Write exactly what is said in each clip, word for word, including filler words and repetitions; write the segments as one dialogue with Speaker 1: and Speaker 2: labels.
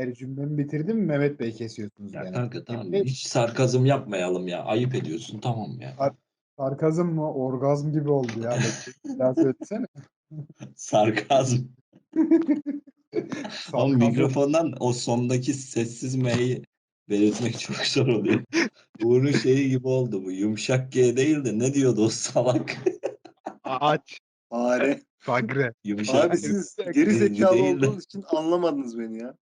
Speaker 1: Hayır, cümlemi bitirdim mi Mehmet Bey kesiyorsunuz
Speaker 2: Ya
Speaker 1: gene.
Speaker 2: kanka tamam
Speaker 1: Emre,
Speaker 2: hiç sarkazm yapmayalım ya. Ayıp ediyorsun tamam ya.
Speaker 1: sar- sarkazm mı? Orgazm gibi oldu ya. Bekle, bir daha söylesene.
Speaker 2: Sarkazm. Ama
Speaker 1: Sarkazm.
Speaker 2: mikrofondan o sondaki sessiz M'yi belirtmek çok zor oluyor. Uğur'un şeyi gibi oldu bu. Yumuşak G değil de ne diyordu o salak?
Speaker 3: Ağaç.
Speaker 4: Fare.
Speaker 3: Fagre.
Speaker 2: Yumuşak
Speaker 4: Abi
Speaker 2: G
Speaker 4: siz geri
Speaker 2: değil
Speaker 4: zekalı
Speaker 2: de.
Speaker 4: olduğunuz için anlamadınız beni ya.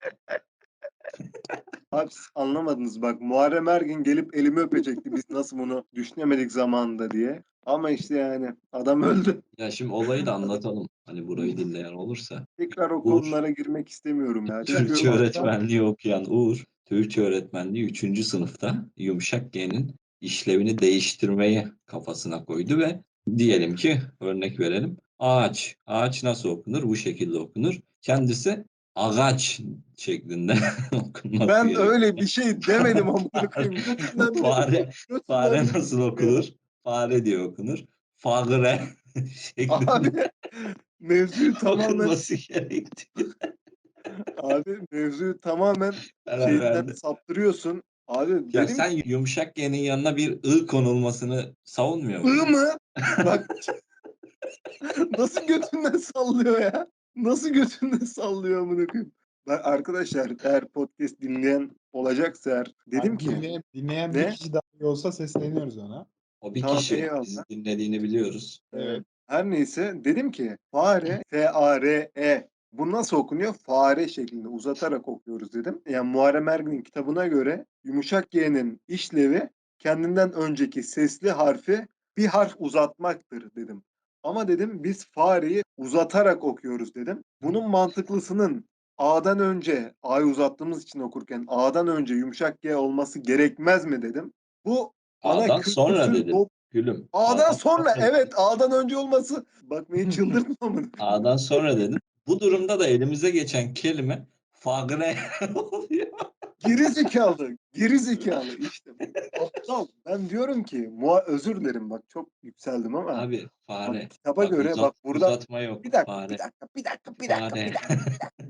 Speaker 4: Abi siz anlamadınız bak, Muharrem Ergin gelip elimi öpecekti biz nasıl bunu düşünemedik zamanında diye. Ama işte yani adam öldü.
Speaker 2: Ya şimdi olayı da anlatalım. Hani burayı dinleyen olursa.
Speaker 4: Tekrar o
Speaker 2: Uğur,
Speaker 4: konulara girmek istemiyorum ya.
Speaker 2: Türkçe
Speaker 4: Çünkü
Speaker 2: öğretmenliği okuyan Uğur, Türkçe öğretmenliği üçüncü sınıfta yumuşak G'nin işlevini değiştirmeyi kafasına koydu ve diyelim ki örnek verelim. Ağaç. Ağaç nasıl okunur? Bu şekilde okunur. Kendisi ağaç şeklinde okunması
Speaker 4: ben
Speaker 2: gerekiyor.
Speaker 4: öyle bir şey demedim amına koyayım. Götünden
Speaker 2: Fare, fare
Speaker 4: götünden
Speaker 2: nasıl okunur? Fare diye okunur. Fagre şeklinde
Speaker 4: Abi mevzuyu tamamen
Speaker 2: okunması gerektiği
Speaker 4: abi mevzuyu tamamen
Speaker 2: karar
Speaker 4: şeyinden
Speaker 2: verdi.
Speaker 4: saptırıyorsun. Abi
Speaker 2: Ya
Speaker 4: dedim
Speaker 2: sen
Speaker 4: ki
Speaker 2: yumuşak G'nin yanına bir ı konulmasını savunmuyor
Speaker 4: ı
Speaker 2: musun?
Speaker 4: mı? Bak nasıl götünden sallıyor ya? Nasıl götünden sallıyor amına koyayım? Ben arkadaşlar, eğer podcast dinleyen olacaksa eğer, dedim
Speaker 1: Abi
Speaker 4: ki
Speaker 1: dinleyen, dinleyen bir
Speaker 4: ne?
Speaker 1: kişi daha iyi olsa sesleniyoruz ona.
Speaker 2: O bir
Speaker 4: Tamam,
Speaker 2: kişi.
Speaker 4: eyvallah.
Speaker 2: Bizi dinlediğini biliyoruz.
Speaker 4: Evet. Her neyse dedim ki fare, F A R E, bu nasıl okunuyor? Fare şeklinde uzatarak okuyoruz dedim. Yani Muharrem Ergin'in kitabına göre yumuşak G'nin işlevi kendinden önceki sesli harfi bir harf uzatmaktır dedim. Ama dedim biz fareyi uzatarak okuyoruz dedim. Bunun mantıklısının A'dan önce, A'yı uzattığımız için okurken A'dan önce yumuşak G olması gerekmez mi dedim. Bu bana
Speaker 2: A'dan sonra
Speaker 4: kültürsüz,
Speaker 2: dedim. Gülüm.
Speaker 4: A'dan
Speaker 2: A'dan
Speaker 4: sonra,
Speaker 2: sonra dedim.
Speaker 4: evet, A'dan önce olması. Bak beni çıldırtma mı?
Speaker 2: A'dan sonra dedim. Bu durumda da elimize geçen kelime fagre oluyor.
Speaker 4: Geri zekalı. Geri zekalı işte. Aptal. Ben diyorum ki mua özür dilerim, bak çok yükseldim ama
Speaker 2: Abi
Speaker 4: bak
Speaker 2: fare.
Speaker 4: kitaba
Speaker 2: Bak
Speaker 4: göre,
Speaker 2: uzat,
Speaker 4: bak burada
Speaker 2: uzatma yok.
Speaker 4: bir dakika bir
Speaker 2: Fare.
Speaker 4: dakika bir dakika bir dakika bir
Speaker 2: Fare.
Speaker 4: dakika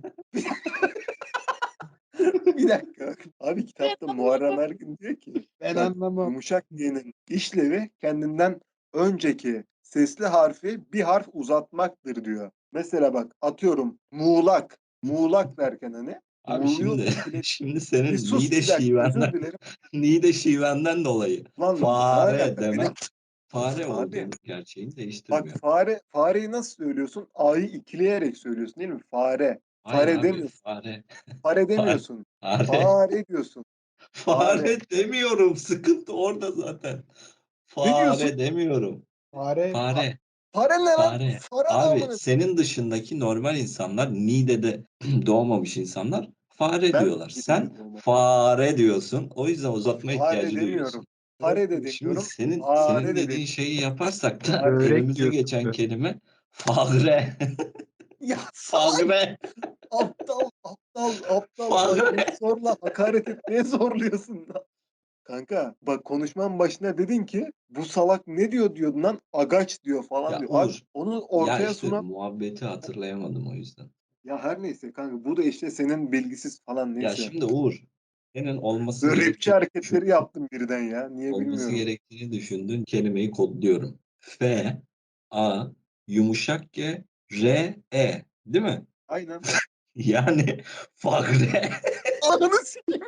Speaker 4: bir dakika. Abi kitapta Muharrem Ergin diyor ki
Speaker 1: Ben
Speaker 4: bak,
Speaker 1: anlamam.
Speaker 4: yumuşak G'nin işlevi kendinden önceki sesli harfi bir harf uzatmaktır diyor. Mesela bak atıyorum muğlak. Muğlak derken hani
Speaker 2: Abi
Speaker 4: muğluyu
Speaker 2: şimdi
Speaker 4: bile
Speaker 2: şimdi
Speaker 4: bir
Speaker 2: senin
Speaker 4: sus,
Speaker 2: Niğde
Speaker 4: bir dakika, özür
Speaker 2: şivenden
Speaker 4: dilerim.
Speaker 2: Niğde şivenden dolayı
Speaker 4: Lan ne
Speaker 2: fare
Speaker 4: alaka?
Speaker 2: demen
Speaker 4: Benim
Speaker 2: fare
Speaker 4: abi
Speaker 2: olduğunu gerçeğini
Speaker 4: bak,
Speaker 2: değiştirmiyor.
Speaker 4: fare fareyi nasıl söylüyorsun? A'yı ikileyerek söylüyorsun değil mi? Fare.
Speaker 2: Hayır
Speaker 4: Fare
Speaker 2: abi
Speaker 4: demiyorsun.
Speaker 2: fare.
Speaker 4: Fare
Speaker 2: Fare.
Speaker 4: demiyorsun.
Speaker 2: Fare.
Speaker 4: Fare diyorsun. Fare.
Speaker 2: Fare demiyorum. Sıkıntı orada zaten.
Speaker 4: Ne diyorsun?
Speaker 2: Fare demiyorum.
Speaker 1: Fare, fa-
Speaker 2: Fare.
Speaker 4: Fare ne lan?
Speaker 2: Fare.
Speaker 4: Fare ne
Speaker 2: Abi
Speaker 4: amına?
Speaker 2: senin dışındaki normal insanlar, Niğde'de doğmamış insanlar fare
Speaker 4: Ben
Speaker 2: diyorlar.
Speaker 4: Niğde'de
Speaker 2: Sen
Speaker 4: doğmadım.
Speaker 2: fare diyorsun. O yüzden uzatma
Speaker 4: Fare
Speaker 2: ihtiyacı duyuyorsun.
Speaker 4: demiyorum. Fare de
Speaker 2: Şimdi
Speaker 4: demiyorum.
Speaker 2: senin
Speaker 4: Fare
Speaker 2: senin
Speaker 4: de
Speaker 2: dediğin
Speaker 4: demiyorum.
Speaker 2: şeyi yaparsak da
Speaker 4: Fare.
Speaker 3: Börek
Speaker 2: elimize
Speaker 3: diyorsun
Speaker 2: geçen
Speaker 3: sen.
Speaker 2: kelime fagre.
Speaker 4: Ya salak,
Speaker 2: Fagre.
Speaker 4: aptal aptal aptal, bak
Speaker 2: Fagre.
Speaker 4: beni zorla hakaret etmeye zorluyorsun da. Kanka bak, konuşmanın başına dedin ki bu salak ne diyor diyordun lan, agaç diyor falan
Speaker 2: Ya
Speaker 4: diyor. Abi
Speaker 2: Uğur,
Speaker 4: onu
Speaker 2: ya
Speaker 4: ortaya
Speaker 2: işte
Speaker 4: sunan,
Speaker 2: muhabbeti hatırlayamadım o yüzden.
Speaker 4: ya her neyse kanka, bu da işte senin bilgisiz falan,
Speaker 2: Ya
Speaker 4: neyse.
Speaker 2: şimdi Uğur, senin olması
Speaker 4: Böyle rapçi
Speaker 2: gerektiğini düşün,
Speaker 4: hareketleri yaptım birden ya. Niye
Speaker 2: olması
Speaker 4: bilmiyorum.
Speaker 2: gerektiğini düşündüğün kelimeyi kodluyorum. F, A, yumuşak G, R, E. Değil mi?
Speaker 4: Aynen.
Speaker 2: Yani fagre.
Speaker 4: Ananı sikeyim.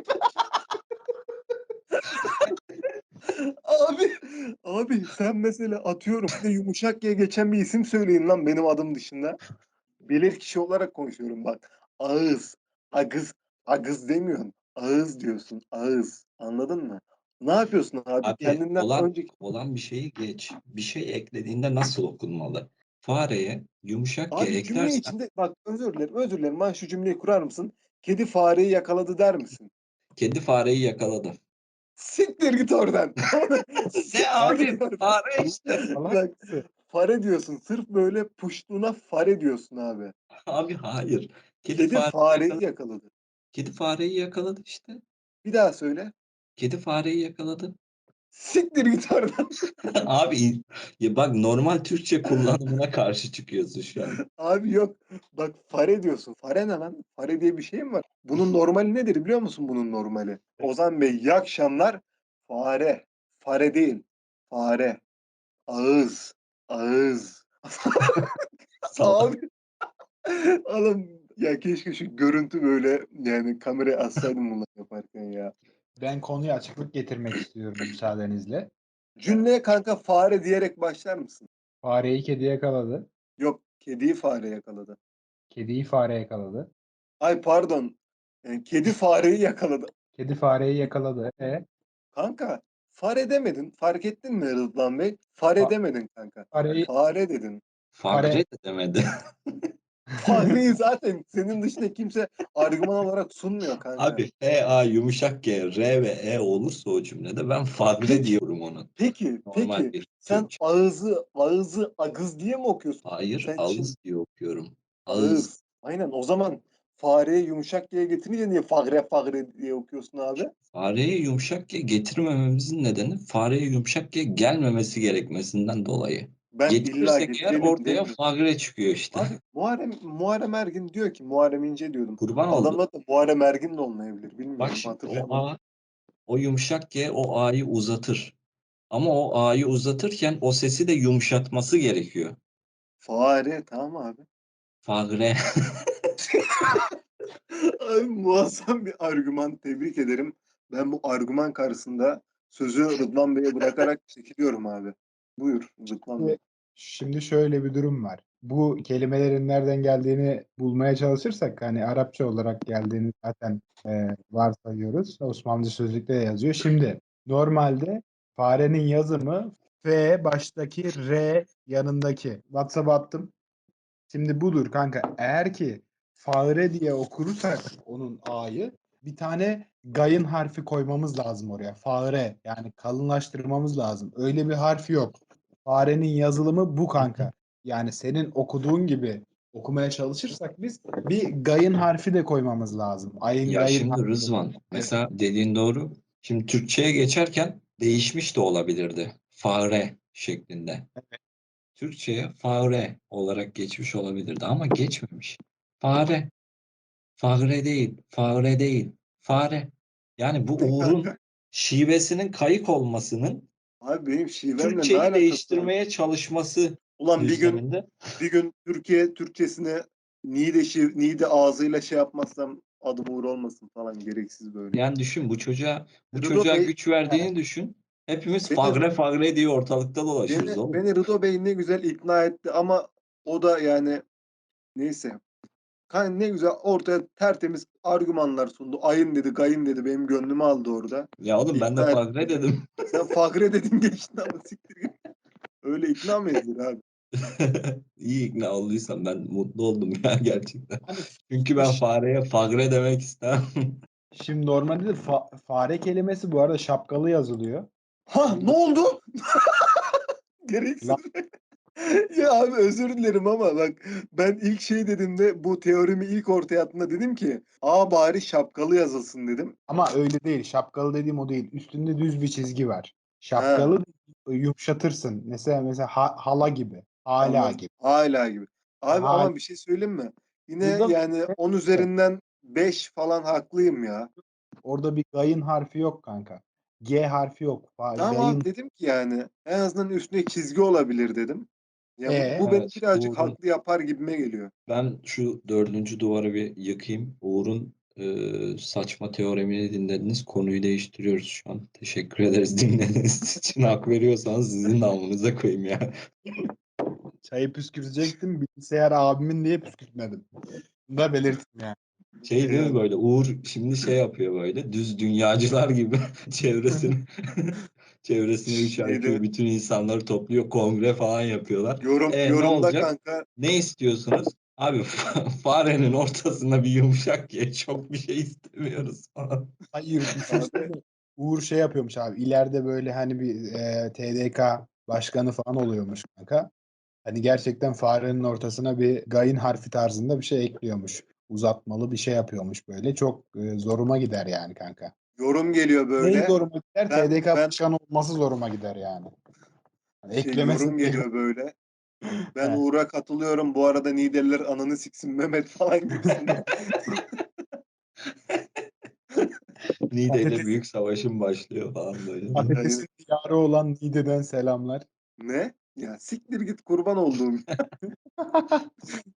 Speaker 4: Abi, abi sen mesela atıyorum bir de yumuşak G geçen bir isim söyleyin lan benim adım dışında. Bilir kişi olarak konuşuyorum bak. Ağız, agız, agız demiyorsun. Ağız diyorsun. Ağız. Anladın mı? Ne yapıyorsun abi?
Speaker 2: Abi
Speaker 4: Kendinden
Speaker 2: olan
Speaker 4: önceki...
Speaker 2: olan bir şeyi geç. Bir şey eklediğinde nasıl okunmalı? Fareye yumuşak G
Speaker 4: Abi cümle
Speaker 2: eklersen
Speaker 4: içinde bak, özür dilerim özür dilerim. Ben şu cümleyi kurar mısın? Kedi fareyi yakaladı der misin?
Speaker 2: kedi fareyi yakaladı.
Speaker 4: Siktir git oradan.
Speaker 2: Ne
Speaker 4: Siktir git
Speaker 2: abi?
Speaker 4: oradan.
Speaker 2: Fare işte.
Speaker 1: salak
Speaker 4: Bak,
Speaker 1: mısın?
Speaker 4: fare diyorsun. Sırf böyle puştuğuna fare diyorsun abi.
Speaker 2: Abi hayır. Kedi
Speaker 4: Kedi
Speaker 2: fareyi
Speaker 4: fareyi
Speaker 2: yakaladı.
Speaker 4: yakaladı.
Speaker 2: Kedi fareyi yakaladı işte.
Speaker 4: Bir daha söyle.
Speaker 2: Kedi fareyi yakaladı.
Speaker 4: Siktir git oradan.
Speaker 2: Abi ya bak normal Türkçe kullanımına karşı çıkıyorsun şu an.
Speaker 4: Abi yok. Bak fare diyorsun. Fare ne lan? Fare diye bir şey mi var? Bunun normali nedir biliyor musun bunun normali? Ozan Bey iyi akşamlar. Fare. Fare değil. Fare. Ağız. Ağız.
Speaker 2: Salak.
Speaker 4: Abi. Oğlum ya keşke şu görüntü böyle yani kameraya assaydım bunları yaparken ya.
Speaker 1: Ben konuya açıklık getirmek istiyorum müsaadenizle.
Speaker 4: Cümleye kanka fare diyerek başlar mısın?
Speaker 1: Fareyi kedi yakaladı.
Speaker 4: Yok, kediyi fare yakaladı.
Speaker 1: Kediyi fare yakaladı.
Speaker 4: Ay pardon. e, Kedi fareyi yakaladı.
Speaker 1: Kedi fareyi yakaladı. E,
Speaker 4: Kanka fare demedin. Fark ettin mi Rıdvan Bey? Fare
Speaker 1: Fa-
Speaker 4: demedin kanka.
Speaker 1: fareyi
Speaker 4: Fare dedin.
Speaker 2: Fagre
Speaker 1: Fare-
Speaker 2: de demedi.
Speaker 4: Fareyi zaten senin dışında kimse argüman olarak sunmuyor kanka.
Speaker 2: Abi F, A yumuşak G, R ve E olursa o cümlede ben fagre
Speaker 4: Peki.
Speaker 2: diyorum onun.
Speaker 4: Peki,
Speaker 2: Normal
Speaker 4: peki.
Speaker 2: bir
Speaker 4: Sen
Speaker 2: Türkçe.
Speaker 4: ağızı, ağızı, agız diye mi okuyorsun?
Speaker 2: Hayır,
Speaker 4: Sen
Speaker 2: ağız
Speaker 4: şimdi
Speaker 2: diye okuyorum. Ağız.
Speaker 4: ağız. Aynen o zaman fareyi yumuşak diye getirince niye fagre fagre diye okuyorsun abi?
Speaker 2: Fareye yumuşak G getirmememizin nedeni fareye yumuşak G gelmemesi gerekmesinden dolayı.
Speaker 4: Ben illa
Speaker 2: Getirirsek eğer
Speaker 4: getirelim
Speaker 2: ortaya
Speaker 4: demiyorum.
Speaker 2: fagre çıkıyor işte.
Speaker 4: Abi Muharrem, Muharrem Ergin diyor ki Muharrem İnce diyordum.
Speaker 2: Kurban oldu.
Speaker 4: Adamın adı Muharrem Ergin de olmayabilir. Bilmiyorum.
Speaker 2: Bak şimdi
Speaker 4: hatırlayamadım.
Speaker 2: o A, o yumuşak G o A'yı uzatır. Ama o A'yı uzatırken o sesi de yumuşatması gerekiyor.
Speaker 4: Fare tamam abi.
Speaker 2: Fagre.
Speaker 4: Abi muazzam bir argüman. Tebrik ederim. Ben bu argüman karşısında sözü Rıdvan Bey'e bırakarak çekiliyorum abi. Buyur Rıdvan Bey.
Speaker 1: Şimdi şöyle bir durum var. Bu kelimelerin nereden geldiğini bulmaya çalışırsak hani Arapça olarak geldiğini zaten e, varsayıyoruz. Osmanlıca sözlükte de yazıyor. Şimdi normalde farenin yazımı F baştaki R yanındaki. WhatsApp'a attım. Şimdi budur kanka. Eğer ki fare diye okursak onun A'yı bir tane gayın harfi koymamız lazım oraya. Fare yani kalınlaştırmamız lazım. Öyle bir harf yok. Farenin yazılımı bu kanka. Yani senin okuduğun gibi okumaya çalışırsak biz bir gayın harfi de koymamız lazım. Ayın
Speaker 2: Ya
Speaker 1: gayın
Speaker 2: şimdi
Speaker 1: harfi.
Speaker 2: Rızvan mesela dediğin doğru. Şimdi Türkçe'ye geçerken değişmiş de olabilirdi. Fare şeklinde. Türkçe'ye fare olarak geçmiş olabilirdi ama geçmemiş. Fare. Fare değil. Fare değil. Fare. Yani bu Uğur'un şivesinin kayık olmasının
Speaker 4: Abi benim şivemle ne
Speaker 2: Türkçeyi
Speaker 4: alakası var?
Speaker 2: değiştirmeye çalışması
Speaker 4: Ulan bir gün
Speaker 2: düzleminde.
Speaker 4: bir gün Türkiye Türkçesine Niğde, şiv, Niğde ağzıyla şey yapmazsam adım Uğur olmasın falan gereksiz böyle.
Speaker 2: Yani düşün bu çocuğa bu
Speaker 4: Rıdo
Speaker 2: çocuğa
Speaker 4: Bey
Speaker 2: güç verdiğini düşün. Hepimiz
Speaker 4: beni,
Speaker 2: fagre fagre diye ortalıkta dolaşırız
Speaker 4: beni,
Speaker 2: oğlum.
Speaker 4: beni Rıdo Bey ne güzel ikna etti ama o da yani neyse. Kan ne güzel ortaya tertemiz argümanlar sundu. Ayın dedi, gayın dedi. Benim gönlümü aldı orada.
Speaker 2: Ya oğlum ben de
Speaker 4: İkna
Speaker 2: fagre
Speaker 4: etti.
Speaker 2: dedim.
Speaker 4: Sen fagre dedin geçtin ama siktir git. Öyle ikna mı edilir abi?
Speaker 2: İyi ikna olduysam ben mutlu oldum ya gerçekten.
Speaker 1: Hani
Speaker 2: Çünkü ben fareye fagre demek istemem.
Speaker 1: şimdi normalde de fa- fare kelimesi bu arada şapkalı yazılıyor.
Speaker 4: Ha ne oldu? Gereksiz.
Speaker 1: Lan-
Speaker 4: Ya abi özür dilerim ama bak ben ilk şey dediğimde bu teorimi ilk ortaya attığımda dedim ki A bari şapkalı yazılsın dedim.
Speaker 1: Ama öyle değil. Şapkalı dediğim o değil. Üstünde düz bir çizgi var.
Speaker 4: Ha,
Speaker 1: Şapkalı yumuşatırsın. Mesela mesela ha- hala gibi. Hala
Speaker 4: anladım.
Speaker 1: gibi.
Speaker 4: Hala gibi. Abi
Speaker 1: Hala.
Speaker 4: ama bir şey söyleyeyim mi? Yine
Speaker 1: Burada
Speaker 4: yani on üzerinden beş falan haklıyım ya.
Speaker 1: orada bir gayın harfi yok kanka. G harfi yok. Fa-
Speaker 4: Tamam
Speaker 1: Gayın
Speaker 4: abi dedim ki yani en azından üstüne çizgi olabilir dedim. Ya bu,
Speaker 1: E
Speaker 4: bu beni
Speaker 2: Evet,
Speaker 4: birazcık
Speaker 2: Uğur'un
Speaker 4: haklı yapar gibime geliyor.
Speaker 2: ben şu dördüncü duvarı bir yıkayım. Uğur'un e, saçma teoremini dinlediniz. Konuyu değiştiriyoruz şu an. Teşekkür ederiz dinlediğiniz için. Hak veriyorsanız sizin namınıza koyayım ya.
Speaker 1: çayı püskürtecektim. Bilgisayar abimin diye püskürtmedim. Bunu da belirttim yani.
Speaker 2: Şey değil mi böyle Uğur şimdi şey yapıyor böyle düz dünyacılar gibi çevresini çevresine üç I Q
Speaker 4: Şeyde
Speaker 2: bütün insanları topluyor kongre falan yapıyorlar.
Speaker 4: yorum
Speaker 2: E ne
Speaker 4: yorumda
Speaker 2: olacak?
Speaker 4: kanka
Speaker 2: Ne istiyorsunuz? Abi farenin ortasına bir yumuşak ye çok bir şey istemiyoruz falan.
Speaker 1: Hayır
Speaker 4: abi
Speaker 1: düşünsene. Uğur şey yapıyormuş abi. İleride böyle hani bir e, T D K başkanı falan oluyormuş kanka. Hani gerçekten farenin ortasına bir gayın harfi tarzında bir şey ekliyormuş. Uzatmalı bir şey yapıyormuş böyle. Çok e, zoruma gider yani kanka.
Speaker 4: yorum geliyor
Speaker 1: Neyi
Speaker 4: böyle.
Speaker 1: zoruma gider?
Speaker 4: Ben-
Speaker 1: T D K
Speaker 4: ben-
Speaker 1: başkanı olması zoruma gider yani. Hani
Speaker 4: Şey,
Speaker 1: eklemesin
Speaker 4: yorum
Speaker 1: diye.
Speaker 4: geliyor böyle. Ben
Speaker 1: He.
Speaker 4: Uğur'a katılıyorum. Bu arada Niğdeliler ananı siksin Mehmet falan gibisinden.
Speaker 2: Niğde ile
Speaker 1: Patates-
Speaker 2: büyük savaşım başlıyor falan böyle.
Speaker 1: Patatesin diyarı olan Niğde'den selamlar.
Speaker 4: Ne? Ya siktir git kurban olduğum.